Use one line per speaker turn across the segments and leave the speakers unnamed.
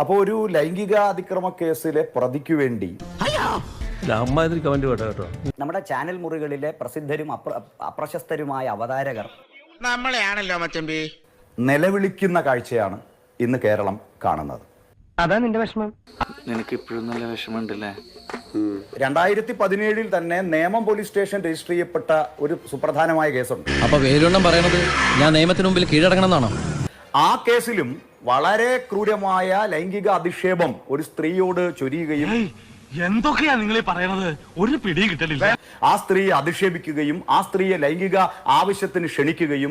അപ്പോൾ ഒരു ലൈംഗിക അതിക്രമ കേസിലെ പ്രതിക്ക് വേണ്ടി നമ്മുടെ ചാനൽ മുറികളിലെ പ്രസിദ്ധരും അപ്രശസ്തരുമായ അവതാരകർ
നമ്മളെയാണല്ലോ മച്ചമ്പി
നിലവിളിക്കുന്ന കാഴ്ചയാണ് ഇന്ന് കേരളം കാണുന്നത്.
അതാ നിന്റെ വിഷമം.
നിനക്ക് ഇപ്പോഴും നല്ല വിഷമമുണ്ടല്ലേ?
2017 തന്നെ നേമം പോലീസ് സ്റ്റേഷൻ രജിസ്റ്റർ ചെയ്യപ്പെട്ട ഒരു സുപ്രധാനമായ കേസുണ്ട്.
അപ്പൊ വേലുണ്ണം പറയണത് ഞാൻ നിയമത്തിന് മുമ്പിൽ കീഴടങ്ങണം എന്നാണോ?
ആ കേസിലും വളരെ ക്രൂരമായ ലൈംഗിക അധിക്ഷേപം ഒരു സ്ത്രീയോട് ചൊരിയുകയും
എന്തൊക്കെയാ നിങ്ങൾ പറയണത്? ഒരു പിടിയും കിട്ടലില്ല.
ആ സ്ത്രീയെ അധിക്ഷേപിക്കുകയും ആ സ്ത്രീയെ ലൈംഗിക ആവശ്യത്തിന് ക്ഷണിക്കുകയും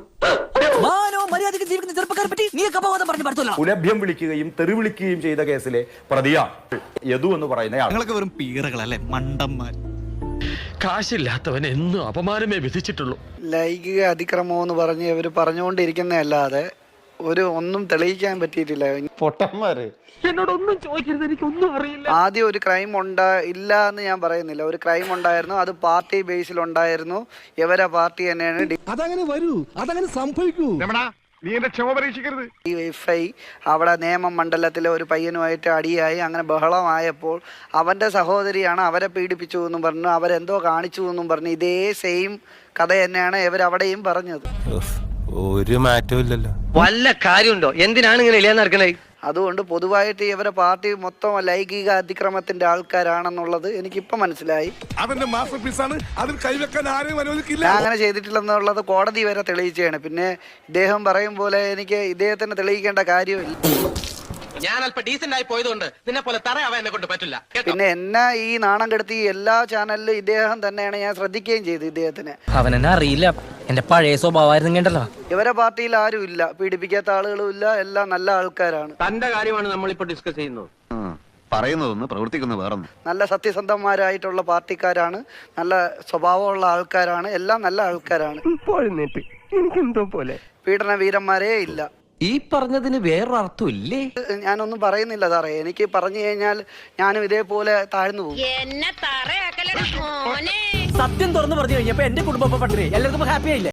കുലഭ്യം വിളിക്കുകയും തെറി വിളിക്കുകയും ചെയ്ത കേസിലെ പ്രതിയാണ് യദു എന്ന് പറയുന്നയാൾ.
വെറും പീറകളല്ലേ, മണ്ടന്മാർ.
കാശില്ലാത്തവൻ എന്നും അപമാനമേ വിധിച്ചിട്ടുള്ളൂ.
ലൈംഗിക അതിക്രമം എന്ന് പറഞ്ഞ് ഇവര് പറഞ്ഞുകൊണ്ടിരിക്കുന്നതല്ലാതെ ഒന്നും തെളിയിക്കാൻ പറ്റിയിട്ടില്ല.
പൊട്ടന്മാര്.
എന്നോടൊന്നും ചോദിക്കരുത്, എനിക്കൊന്നും അറിയില്ല.
ആദ്യം ഒരു ക്രൈം ഇല്ല എന്ന് ഞാൻ പറയുന്നില്ല. ഒരു ക്രൈം ഉണ്ടായിരുന്നു, അത് പാർട്ടി ബേസിൽ ഉണ്ടായിരുന്നു. ഇവരെ പാർട്ടി തന്നെയാണ്
അതങ്ങനെ വരൂ, അതങ്ങനെ സംഭവിക്കൂ.
നീ എന്റെ ക്ഷമ പരീക്ഷിക്കരുത്.
DYFI അവിടെ നേമം മണ്ഡലത്തിലെ ഒരു പയ്യനുമായിട്ട് അടിയായി, അങ്ങനെ ബഹളമായപ്പോൾ അവന്റെ സഹോദരിയാണ് അവരെ പീഡിപ്പിച്ചു എന്നും പറഞ്ഞു, അവരെന്തോ കാണിച്ചു എന്നും പറഞ്ഞു. ഇതേ സെയിം കഥ തന്നെയാണ് ഇവരവിടെയും പറഞ്ഞത്.
ഒരു മാറ്റവും ഇല്ലല്ലോ.
വല്ല കാര്യമുണ്ടോ? എന്തിനാണ് ഇങ്ങനെ ഇല്ലാന്ന് നടക്കണേ?
അതുകൊണ്ട് പൊതുവായിട്ട് ഇവരെ പാർട്ടി മൊത്തം ലൈംഗിക അതിക്രമത്തിന്റെ ആൾക്കാരാണെന്നുള്ളത് എനിക്കിപ്പോ മനസ്സിലായി.
അവന്റെ മാസ്റ്റർ പീസാണ്, അതിൽ കൈവെക്കാൻ ആരെയും അനുവദിക്കില്ല.
ഞാൻ അങ്ങനെ ചെയ്തിട്ടില്ലെന്നുള്ളത് കോടതി വരെ തെളിയിച്ചാണ്. പിന്നെ ഇദ്ദേഹം പറയും പോലെ എനിക്ക് ഇദ്ദേഹത്തിന് തെളിയിക്കേണ്ട കാര്യമില്ല.
ഞാൻ അല്പം ഡീസന്റ് ആയി പോയതുകൊണ്ട് നിന്നെ പോലെ തറയാവാൻ എന്നെ കൊണ്ട് പറ്റില്ല.
പിന്നെ എന്നെ ഈ നാണം കെടുത്തി എല്ലാ ചാനലിലും ഇദ്ദേഹം തന്നെയാണ്. ഞാൻ ശ്രദ്ധിക്കുകയും ചെയ്തു ഇദ്ദേഹത്തിനെ.
അവൻ എന്നെ അറിയില്ല, എന്റെ പഴയ സ്വഭാവമായിരുന്നു കേട്ടല്ലോ.
ഇവരെ പാർട്ടിയിൽ ആരും ഇല്ല, പീഡിപ്പിക്കാത്ത ആളുകളും ഇല്ല, എല്ലാം നല്ല ആൾക്കാരാണ്.
തന്റെ കാര്യമാണ് നമ്മളിപ്പോ ഡിസ്കസ് ചെയ്യുന്നത്.
പറയുന്നതൊന്ന് പ്രവർത്തിക്കുന്ന വേറൊന്ന്.
നല്ല സത്യസന്ധന്മാരായിട്ടുള്ള പാർട്ടിക്കാരാണ്, നല്ല സ്വഭാവമുള്ള ആൾക്കാരാണ്, എല്ലാം നല്ല ആൾക്കാരാണ്.
എനിക്കെന്തോ പോലെ
പീഡന വീരന്മാരേ ഇല്ല.
ഈ പറഞ്ഞതിന് വേറൊരർത്ഥം ഇല്ലേ?
ഞാനൊന്നും പറയുന്നില്ല സാറേ. എനിക്ക് പറഞ്ഞു കഴിഞ്ഞാൽ ഞാനും ഇതേപോലെ താഴ്ന്നു പോകും.
എന്നെ തറയാക്കലട മോനെ.
സത്യം തുറന്നു പറഞ്ഞു കഴിഞ്ഞപ്പോ എന്റെ കുടുംബം പട്ടിണി, എല്ലാവർക്കും ഹാപ്പി ആയില്ലേ?